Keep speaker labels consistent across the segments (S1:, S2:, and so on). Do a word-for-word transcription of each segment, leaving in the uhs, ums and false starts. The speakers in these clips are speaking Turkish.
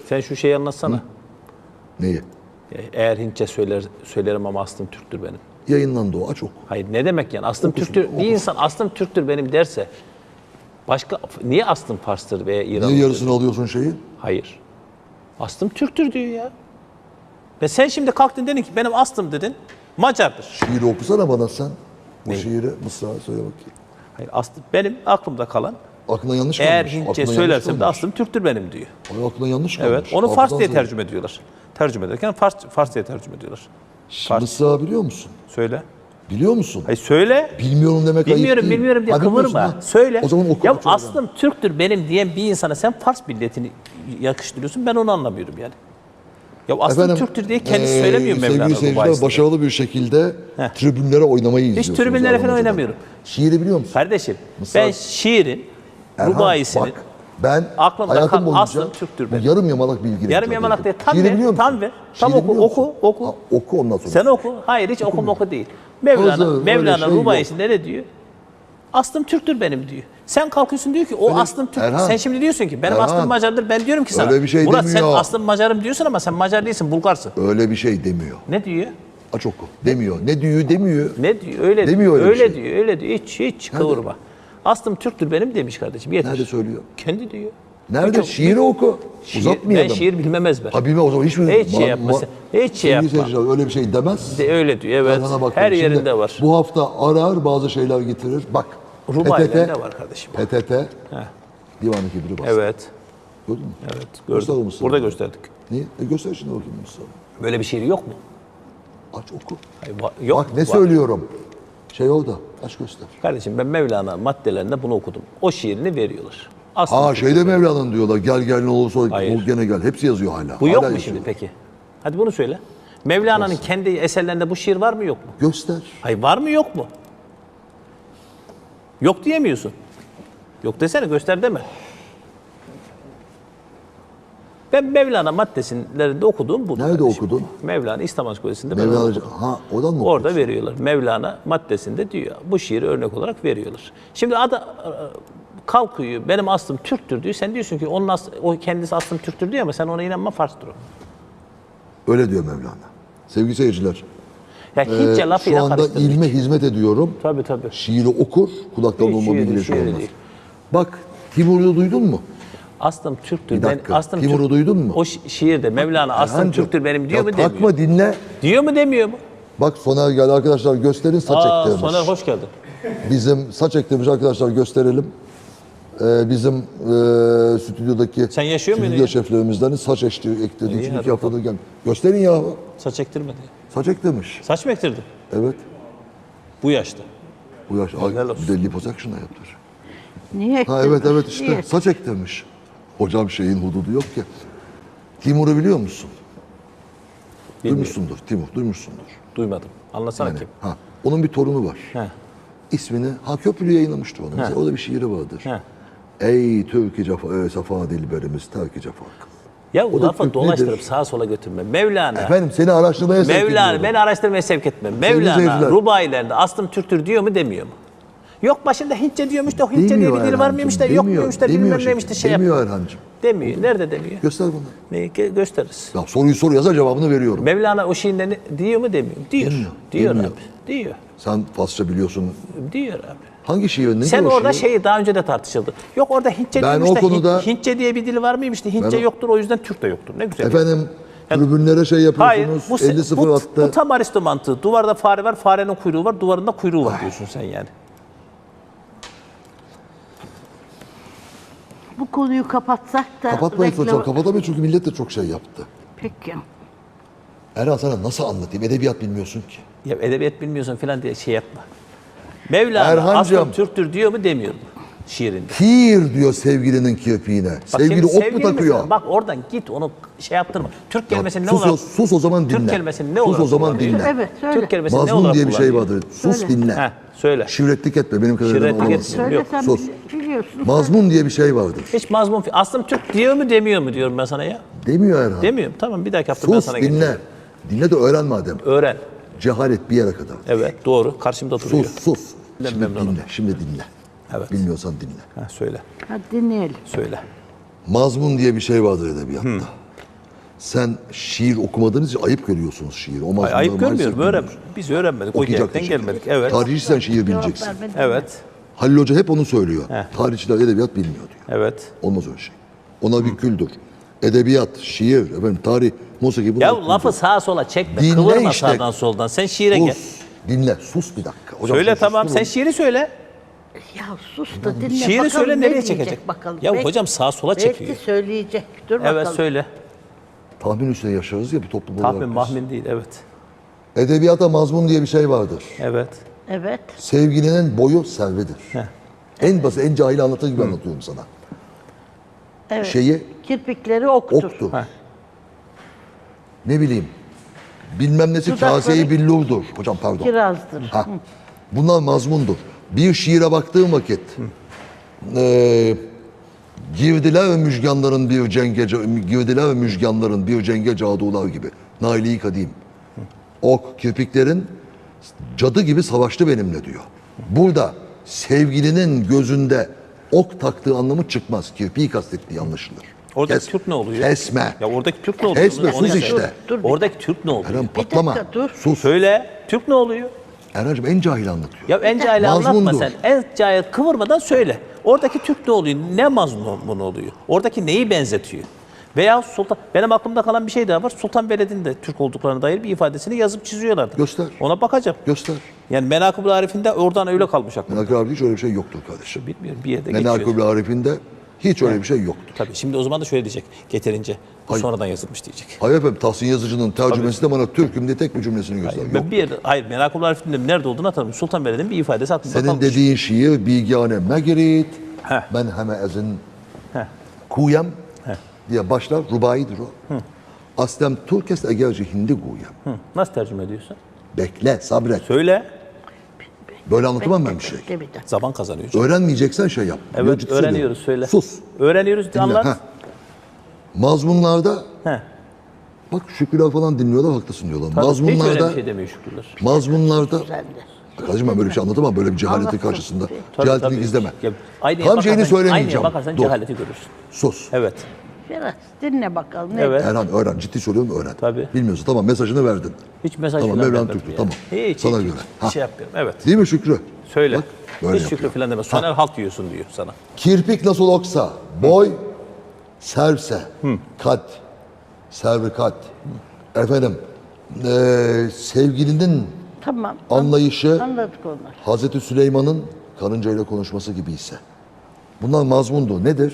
S1: Sen şu şeyi anlatsana.
S2: Hı? Neyi?
S1: Eğer Hintçe söyler, söylerim ama aslım Türktür benim.
S2: Yayınlandı o, aç oku.
S1: Hayır, ne demek yani? Aslım
S2: Okusun,
S1: Türktür.
S2: okusun.
S1: Bir insan aslım Türktür benim derse başka niye aslım Fars'tır veya İran'dır?
S2: Niye yarısını alıyorsun şeyi?
S1: Hayır. Aslım Türktür diyor ya. Ve sen şimdi kalktın dedin ki benim aslım dedin Macardır.
S2: Şiiri okusana bana sen. O
S1: Neyi?
S2: şiiri Mısra söyle bakayım.
S1: Hayır, aslım benim aklımda kalan
S2: Aklına yanlış
S1: eğer
S2: kalmış.
S1: Hintçe
S2: Aklına
S1: söylersem
S2: yanlış
S1: de
S2: kalmış.
S1: aslım Türktür benim diyor.
S2: Ay, aklına yanlış kalmış.
S1: Evet. Onu Fars
S2: Hafızan
S1: diye
S2: zayıf.
S1: tercüme ediyorlar. Tercüme ederken Fars, Fars diye tercüme ediyorlar. Fars.
S2: Mısra biliyor musun?
S1: Söyle.
S2: Biliyor musun?
S1: Hayır söyle.
S2: Bilmiyorum demek ayıp
S1: Bilmiyorum,
S2: değil.
S1: bilmiyorum diye
S2: Ha, bilmiyorsun,
S1: kıvırma.
S2: ha.
S1: Söyle.
S2: O zaman oku.
S1: Ya
S2: oku oradan.
S1: aslım Türktür benim diyen bir insana sen Fars milletini yakıştırıyorsun. Ben onu anlamıyorum yani. Ya aslım
S2: Efendim,
S1: Türktür diye kendisi
S2: eee,
S1: söylemiyor Mevlana.
S2: Sevgili
S1: bu
S2: seyirciler,
S1: bahisinde.
S2: başarılı bir şekilde
S1: Heh.
S2: tribünlere oynamayı izliyorsunuz.
S1: tribünlere falan
S2: Erhan Hoca'dan.
S1: oynamıyorum.
S2: Şiiri biliyor musun?
S1: Kardeşim
S2: Mısra-
S1: ben şiirin,
S2: Erhan,
S1: rubaisinin
S2: bak, ben
S1: aklımda
S2: hayatım
S1: kalan
S2: boyunca
S1: aslım Türktür
S2: bu
S1: benim.
S2: yarım yamalak bilgiyle
S1: Yarım
S2: ithal
S1: yamalak
S2: ettim.
S1: değil, tam
S2: Şiiri
S1: ver,
S2: biliyor musun?
S1: tam ver. Tam
S2: Şiiri
S1: oku,
S2: biliyor musun?
S1: oku, oku.
S2: Ha, oku ondan sonra.
S1: Sen oku. Hayır hiç okum oku değil. Mevlana,
S2: Öyle-
S1: Mevlana
S2: öyle şey
S1: rubaisinde ne diyor? Aslım Türktür benim diyor. Sen kalkıyorsun diyor ki o
S2: Öyle-
S1: aslım Türk.
S2: Erhan,
S1: Sen şimdi diyorsun ki benim
S2: Erhan,
S1: aslım Macardır. Ben diyorum ki sana.
S2: öyle bir şey
S1: Murat sen
S2: demiyor.
S1: aslım Macarım diyorsun ama sen Macar değilsin, Bulgarsın.
S2: Öyle bir şey demiyor.
S1: Ne diyor?
S2: Aç oku. Demiyor. Ne diyor demiyor.
S1: Ne diyor? Öyle
S2: Demiyor
S1: diyor.
S2: öyle bir
S1: Öyle
S2: şey.
S1: diyor. Öyle diyor. Hiç hiç kıvırma. Aslım Türktür benim demiş kardeşim. Yeter.
S2: Nerede söylüyor?
S1: Kendi diyor.
S2: Nerede?
S1: Çok-
S2: Şiiri oku.
S1: Şiir-
S2: Uzatmayalım.
S1: Ben şiir bilmem ezber.
S2: Ha bilmem o zaman hiç mi?
S1: Hiç şey
S2: Ma-
S1: yapmasın.
S2: ma-
S1: Hiç şey
S2: Sevgili
S1: yapma.
S2: seyirciler, öyle bir şey demez.
S1: De öyle diyor. Evet.
S2: Erhan'a bakın.
S1: Her
S2: Şimdi
S1: yerinde var.
S2: Bu hafta arar bazı şeyler getirir. Bak.
S1: Rubailerinde var kardeşim.
S2: P T T.
S1: Heh.
S2: Divan-ı Kibri bastı.
S1: Evet.
S2: Gördün mü?
S1: Evet.
S2: Göster
S1: Gördüm.
S2: mısın?
S1: Burada gösterdik.
S2: Niye? E göster şimdi bakayım Mustafa.
S1: Böyle bir şiir yok mu?
S2: Aç oku.
S1: Hayır, va- yok.
S2: Bak ne
S1: var.
S2: söylüyorum. Şey orada. Aç göster.
S1: Kardeşim ben Mevlana maddelerinde bunu okudum. O şiirini veriyorlar. Aslında
S2: Aa şeyde Mevlana'nın diyorlar. Gel gel ne olursa
S1: Hayır.
S2: ol gene gel. Hepsi yazıyor hala.
S1: bu yok
S2: Hala
S1: mu
S2: yazıyor.
S1: şimdi peki? Hadi bunu söyle. Mevlana'nın kendi eserlerinde bu şiir var mı yok mu?
S2: Göster.
S1: Hayır var mı yok mu? Yok diyemiyorsun. Yok desene, göster deme. Ben Mevlana maddelerinde okuduğum bu.
S2: Nerede okudun?
S1: Mevlana İslam Ansiklopedisi'nde ben
S2: Mevlana.
S1: okudum.
S2: Ha oradan mı
S1: Orada
S2: okuyorsun?
S1: veriyorlar. Mevlana maddesinde diyor. Bu şiiri örnek olarak veriyorlar. Şimdi ada kalkıyor. Benim aslım Türktür diyor. Sen diyorsun ki onun aslı, o kendisi aslım Türktür diyor ama sen ona inanma, Fars'tır o.
S2: Öyle diyor Mevlana. Sevgili seyirciler.
S1: Ya Hintçe
S2: e,
S1: lafıyla
S2: şu anda
S1: karıştırmış.
S2: ilme hizmet ediyorum.
S1: Tabii tabii.
S2: Şiiri okur. Kulaktan
S1: Hiç
S2: olma
S1: şiiri,
S2: bilgiyle şey
S1: şiiri
S2: olmaz.
S1: değil.
S2: Bak Timur'u duydun mu?
S1: Aslım Türktür.
S2: Bir dakika,
S1: Ben, aslım
S2: Timur'u
S1: Türk-
S2: duydun mu?
S1: O şi- şiirde Mevlana aslım
S2: Erhancığım,
S1: Türktür benim diyor
S2: ya
S1: mu demiyor?
S2: takma dinle.
S1: Diyor mu demiyor mu?
S2: Bak Soner geldi arkadaşlar gösterin saç
S1: Aa,
S2: ektirmiş.
S1: Soner hoş geldin.
S2: Bizim saç ektirmiş arkadaşlar gösterelim. Ee, bizim e, stüdyodaki
S1: Sen yaşıyor muydun
S2: stüdyo
S1: ya?
S2: şeflerimizden saç ekti, ektirdiği
S1: İyi,
S2: için
S1: hadi
S2: iki haftadır gel. Gösterin ya.
S1: Saç ektirmedi.
S2: Saç ektirmiş.
S1: Saç mı ektirdin?
S2: Evet.
S1: Bu yaşta.
S2: Bu yaş. Ay,
S1: Helal olsun.
S2: bir de liposuction'a yaptır.
S3: Niye
S2: Ha
S3: ekledin?
S2: evet evet işte
S3: Niye?
S2: saç ektirmiş. Hocam şeyin hududu yok ki. Timur'u biliyor musun?
S1: Bilmiyorum.
S2: Duymuşsundur. Timur duymuşsundur.
S1: Duymadım. Anlasana
S2: Yani,
S1: kim?
S2: ha, onun bir torunu var.
S1: He.
S2: İsmini ha Köprülü yayınlamıştı onu. Mesela orada bir şiiri vardır.
S1: He.
S2: Ey Türk-i cefa, e, safa dilberimiz terk-i cefa.
S1: Ya
S2: O da
S1: lafı
S2: Türk
S1: dolaştırıp
S2: nedir?
S1: sağa sola götürme. Mevlana.
S2: Efendim seni araştırmaya sevk
S1: Mevlana
S2: ediyorum.
S1: beni araştırmaya sevk etme.
S2: seyirciler.
S1: Mevlana rubailerde aslım Türktür diyor mu demiyor mu? Yok başında Hintçe diyormuş da Hintçe diye
S2: Demiyor
S1: bir dili var
S2: Erhan'cığım,
S1: mıymış da yok
S2: demiyor,
S1: muymuş da
S2: demiyor
S1: bilmem
S2: şefim,
S1: neymiş de şey
S2: Demiyor
S1: yapıyor.
S2: Erhan'cığım.
S1: Demiyor. Nerede demiyor?
S2: Göster bana.
S1: Neyi gö- gösteririz.
S2: Ya soruyu sor yaza cevabını veriyorum.
S1: Mevlana o şiirinde ne- diyor mu demiyor mu? Diyor.
S2: Demiyor,
S1: Diyor
S2: demiyor.
S1: abi. Diyor.
S2: Sen Farsça biliyorsun.
S1: Diyor abi.
S2: Hangi şiir? Ne
S1: Sen
S2: diyor o
S1: orada
S2: şiir?
S1: şeyi daha önce de tartışıldı. Yok orada Hintçe
S2: Ben
S1: diyormuş
S2: o
S1: da
S2: konuda-
S1: Hint- Hintçe diye bir dili var mıymış da Hintçe
S2: Ben o-
S1: yoktur o yüzden Türk de yoktur. Ne güzel.
S2: Efendim tribünlere şey
S1: Hayır,
S2: yapıyorsunuz.
S1: bu,
S2: elli sıfır
S1: bu,
S2: attı.
S1: bu tam Aristo mantığı. Duvarda fare var, farenin kuyruğu var, duvarında kuyruğu var diyorsun sen yani.
S3: Bu konuyu kapatsak da...
S2: Kapatmayın
S3: reklam-
S2: hocam. Kapatamayın çünkü millet de çok şey yaptı.
S3: Peki.
S2: Erhan sana nasıl anlatayım? Edebiyat bilmiyorsun ki.
S1: Ya edebiyat bilmiyorsun falan diye şey yapma. Mevlana
S2: Erhancığım.
S1: aslım Türktür diyor mu demiyor mu şiirinde?
S2: Kir diyor sevgilinin kirpiğine.
S1: Bak
S2: Sevgili
S1: şimdi
S2: ok mu
S1: sevgili
S2: takıyor?
S1: mesela, bak oradan git onu şey yaptırma. Türk kelimesini ne
S2: sus,
S1: olarak...
S2: o, sus o zaman dinle.
S1: Türk kelimesini ne
S2: sus
S1: olarak
S2: o zaman
S1: kullanıyor?
S2: dinle.
S3: Evet, söyle.
S1: Türk kelimesini ne
S2: Mazlum
S1: olarak
S2: diye bir şey
S1: kullanıyor?
S2: vardır. Sus
S3: Söyle.
S2: dinle.
S1: Heh, söyle.
S2: Şivretlik etme benim kadarıyla
S1: Şivretlik
S2: alamazsın.
S1: etme.
S3: Söyle
S1: Yok,
S3: sen
S2: sus.
S3: bili- biliyorsun.
S2: Mazmun diye bir şey vardır.
S1: Hiç mazmun... Aslım Türk diyor mu demiyor mu diyorum ben sana ya.
S2: Demiyor Erhan.
S1: Demiyorum. Tamam bir dahaki hafta ben
S2: Sus
S1: sana
S2: dinle.
S1: geleceğim.
S2: Dinle de öğren madem.
S1: Öğren.
S2: Cehalet bir yere kadar.
S1: Evet doğru. Karşımda duruyor.
S2: Sus sus.
S1: Ben
S2: Şimdi
S1: memnunum.
S2: dinle. Şimdi dinle.
S1: Evet.
S2: Bilmiyorsan dinle.
S1: Ha, söyle.
S3: Hadi dinleyelim.
S1: Söyle.
S2: Mazmun diye bir şey vardır edebiyatta. Sen şiir okumadığınız için ayıp görüyorsunuz şiiri. O
S1: Ay,
S2: mazmunları
S1: ayıp görmüyorum.
S2: maalesef
S1: Öğren,
S2: bilmiyoruz.
S1: biz öğrenmedik. O
S2: Okuyacak
S1: gerekten
S2: diyecek.
S1: gelmedik. Evet.
S2: Tarihçi sen şiir
S3: Cevap
S2: bileceksin.
S3: vermedin.
S1: Evet.
S2: Halil Hoca hep onu söylüyor.
S1: Heh.
S2: Tarihçiler edebiyat bilmiyor diyor.
S1: Evet.
S2: Olmaz öyle şey. Ona bir küldür. Edebiyat, şiir, efendim, tarih, musiki bunlar
S1: Ya
S2: küldür.
S1: lafı sağa sola çekme.
S2: Dinle
S1: Kıvırma
S2: işte.
S1: sağdan soldan. Sen şiire gel.
S2: Sus, dinle, sus bir dakika. Hocam,
S1: Söyle
S2: siz
S1: tamam.
S2: susturun.
S1: Sen şiiri söyle.
S3: Ya sus da dinle
S1: Şiiri
S3: bakalım
S1: söyle
S3: ne
S1: nereye
S3: diyecek
S1: çekecek?
S3: bakalım.
S1: Ya
S3: Belki-
S1: hocam sağa sola çekiyor.
S3: Belki söyleyecek. Dur
S1: Evet
S3: bakalım.
S1: söyle.
S2: Tahmin üstüne yaşarız ya bir toplum olarak.
S1: Tahmin
S2: biz.
S1: mahmin değil. Evet.
S2: Edebiyata mazmun diye bir şey vardır.
S1: Evet.
S3: Evet.
S2: Sevgilinin boyu servidir.
S1: Heh.
S2: En basit, en cahil anlatır gibi anlatıyorum sana.
S3: Evet.
S2: Şeyi
S3: Kirpikleri oktur.
S2: oktu.
S1: Heh.
S2: Ne bileyim. Bilmem nesi
S3: Dudakları-
S2: kaseyi billurdur. Hocam pardon.
S3: Kirazdır.
S2: Ha. Bunlar mazmundur. Bir şiire baktığım vakit eee girdiler ve müjganların bir cenge girdiler ve müjganların bir cenge cadular gibi. Naili kadim. Ok kirpiklerin cadı gibi savaştı benimle diyor. Burada sevgilinin gözünde ok taktığı anlamı çıkmaz. Kirpiği kastettiği anlaşılır.
S1: Oradaki
S2: Kes-
S1: Türk ne oluyor?
S2: Kesme.
S1: Ya oradaki Türk ne oluyor?
S2: Kesme,
S1: Onu
S2: sus
S1: söyle.
S2: işte.
S3: Dur, dur bir-
S1: Oradaki Türk ne oluyor?
S2: Erhan patlama.
S3: dakika, dur.
S2: Sus.
S1: Söyle. Türk ne oluyor?
S2: Erhan'cığım en cahil anlatıyor.
S1: Ya en cahil anlatma
S2: Mazmundur.
S1: sen. En cahil kıvırmadan söyle. Oradaki Türk ne oluyor? Ne mazmun oluyor? Oradaki neyi benzetiyor? Veya Sultan, benim aklımda kalan bir şey daha var. Sultan Veled'in de Türk olduklarına dair bir ifadesini yazıp çiziyorlardı.
S2: Göster.
S1: Ona bakacağım.
S2: Göster.
S1: Yani Menakıb-ı Arif'inde oradan öyle kalmış aklımda.
S2: Menakıb Arif'inde hiç öyle bir şey yoktur kardeşim.
S1: Bilmiyorum bir yerde geçiyor.
S2: Menakıb Arif'inde hiç öyle bir şey yoktur.
S1: Tabii şimdi o zaman da şöyle diyecek. Getirince bu
S2: Hayır.
S1: sonradan yazılmış diyecek.
S2: Hayır efendim Tahsin Yazıcı'nın tercümesi de bana Türk'üm diye tek bir cümlesini göster. Yok.
S1: Ben bir yerde, hayır Menakıb-ı Arif'in nerede olduğunu hatırlamıyorum. Sultan Veled'in bir ifadesi aklımda
S2: Senin
S1: kalmış.
S2: dediğin şiir bilgâne megerit,
S1: Heh.
S2: ben heme ezin
S1: Heh.
S2: kuyem diye başlar. Rubaidir o. Aslem Türkes egerci hindi guyem.
S1: Hı, nasıl tercüme ediyorsun?
S2: Bekle, sabret.
S1: Söyle.
S2: Böyle anlatamam ben bir şey.
S3: Bekle bir dakika.
S1: Zaman kazanıyor.
S2: Öğrenmeyeceksen şey yap. Yo,
S1: Evet
S2: ciddi
S1: öğreniyoruz
S2: söylüyorum.
S1: söyle.
S2: Sus.
S1: Öğreniyoruz
S2: Dinle.
S1: anlat.
S2: Heh. Mazmunlarda
S1: Heh.
S2: bak Şükrüler falan dinliyorlar haklısın diyorlar.
S1: Tabii, hiç öyle
S2: mazmunlarda
S1: bir şey demiyor Şükrüler.
S2: mazmunlarda
S3: Güzeldir.
S2: Kardeşim ben böyle bir şey anlatamam böyle bir cehaletin
S3: Anlatsın.
S2: karşısında.
S1: Tabii,
S2: Cehaletini
S1: tabii.
S2: gizleme.
S1: Ya, aynaya
S2: Tam şeyini
S1: bakarsan-
S2: söylemeyeceğim.
S1: Aynaya bakarsan
S2: Dur.
S1: cehaleti görürsün.
S2: Sus.
S1: Evet.
S3: Biraz dinle bakalım. Ne?
S1: Evet.
S2: Erhan öğren. Ciddi söylüyorum öğren.
S1: Tabii.
S2: Bilmiyorsun tamam mesajını verdin.
S1: Hiç mesaj
S2: Tamam,
S1: falan
S2: Mevlana
S1: vermedim
S2: Türk'tü,
S1: yani.
S2: tamam.
S1: Hiç,
S2: Sana
S1: hiç,
S2: göre.
S1: hiç,
S2: Ha.
S1: şey yapmıyorum. Evet.
S2: Değil mi Şükrü?
S1: Söyle.
S2: Bak, böyle
S1: Hiç Şükrü
S2: yapıyor.
S1: falan deme. Soner halk diyorsun diyor sana.
S2: Kirpik nasıl oksa, boy serse, kat, servi kat. Efendim, eee, sevgilinin
S3: Tamam.
S2: anlayışı
S3: Anladık onları.
S2: Hazreti Süleyman'ın karıncayla konuşması gibi ise. Bunlar mazmundu. Nedir?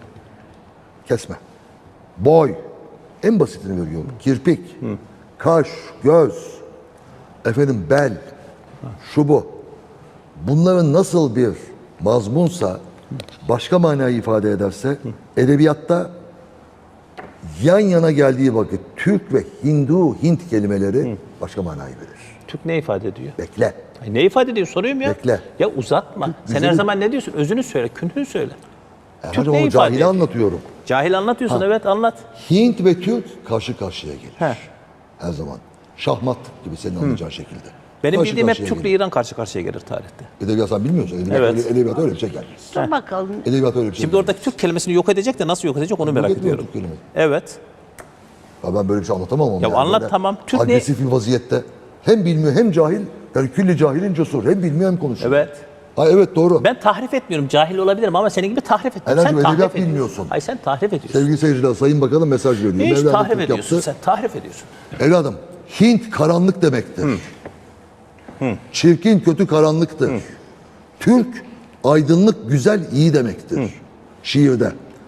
S2: Kesme. Boy. En basitini veriyorum. Kirpik. Kaş, göz. Efendim bel. Şu bu. Bunların nasıl bir mazmunsa başka manayı ifade ederse edebiyatta yan yana geldiği vakit Türk ve Hindu, Hint kelimeleri başka manayı verir.
S1: Türk ne ifade ediyor?
S2: Bekle.
S1: Ay, ne ifade ediyor soruyorum ya.
S2: Bekle.
S1: Ya uzatma. Sen
S2: güzeli-
S1: her zaman ne diyorsun? Özünü söyle, künhünü söyle. Türk
S2: Erhan'cığım
S1: ne
S2: onu
S1: ifade
S2: cahili
S1: ediyor?
S2: anlatıyorum.
S1: Cahil anlatıyorsun evet anlat.
S2: Hint ve Türk karşı karşıya gelir.
S1: He.
S2: Her zaman. Şahmat gibi senin anlayacağın şekilde.
S1: Benim
S2: Karşı
S1: bildiğim hep
S2: karşıya
S1: Türk ile
S2: gelir.
S1: İran karşı karşıya gelir tarihte.
S2: Edebiyat sen bilmiyorsun. Edebiyat,
S1: Evet.
S2: öyle, edebiyat öyle bir şey gelmez.
S3: Dur bakalım.
S2: Edebiyat öyle bir şey
S1: Şimdi
S2: gelmez.
S1: oradaki Türk kelimesini yok edecek de nasıl yok edecek onu merak
S2: etmiyor
S1: ediyorum.
S2: Türk kelimesi.
S1: Evet.
S2: Ya ben böyle bir şey anlatamam ama.
S1: Ya
S2: yani
S1: anlat
S2: böyle
S1: tamam. Türk ne-
S2: agresif bir vaziyette. Hem bilmiyor hem cahil. Yani külli cahilin cesur. Hem bilmiyor hem konuşuyor.
S1: Evet.
S2: Ha evet doğru.
S1: Ben tahrif etmiyorum. Cahil olabilirim ama senin gibi tahrif etmiyorum.
S2: Erhan'cığım,
S1: Sen tahrif
S2: edebiyat
S1: ediyorsun.
S2: bilmiyorsun.
S1: Hayır sen tahrif ediyorsun.
S2: Sevgili seyirciler Sayın Bakanım mesaj veriyor.
S1: Hiç
S2: Mevlana
S1: tahrif
S2: Türk
S1: ediyorsun.
S2: yaptı.
S1: Sen tahrif ediyorsun.
S2: Evladım Hint karanlık demektir. Çirkin kötü karanlıktır. Türk aydınlık güzel iyi demektir. Şiirde.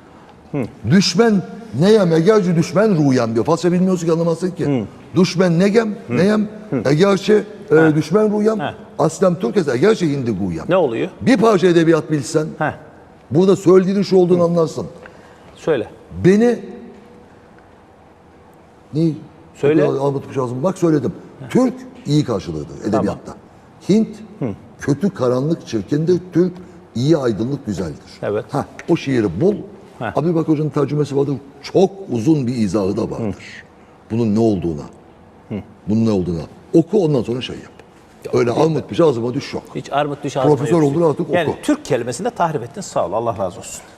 S2: Düşmen neyem egerci düşmen ruyem diyor. Farsça bilmiyorsun ki anlamazsın ki. Düşmen negem neyem egerci e, düşmen ruyem.
S1: He.
S2: Aslem Türkes egerci hindi guyem.
S1: Ne oluyor?
S2: Bir parça edebiyat bilsen
S1: Heh.
S2: burada söylediğinin şu olduğunu anlarsın.
S1: Söyle.
S2: Beni ne?
S1: Söyle.
S2: Anlatmış lazım. Bak söyledim. Türk iyi karşılığıdır edebiyatta. Hint kötü karanlık çirkindir. Türk iyi aydınlık güzeldir.
S1: Evet.
S2: Ha, o şiiri bul.
S1: Heh.
S2: Abi bak hocanın tercümesi vardır. Çok uzun bir izahı da vardır. Bunun ne olduğuna. Bunun ne olduğuna. Oku ondan sonra şey yap. Öyle almut bir ağzıma düş yok.
S1: Hiç armut düş ağzına
S2: Profesör
S1: yok.
S2: oldun artık
S1: Yani
S2: oku.
S1: Türk kelimesini de tahrif ettin. Sağ ol. Allah razı olsun.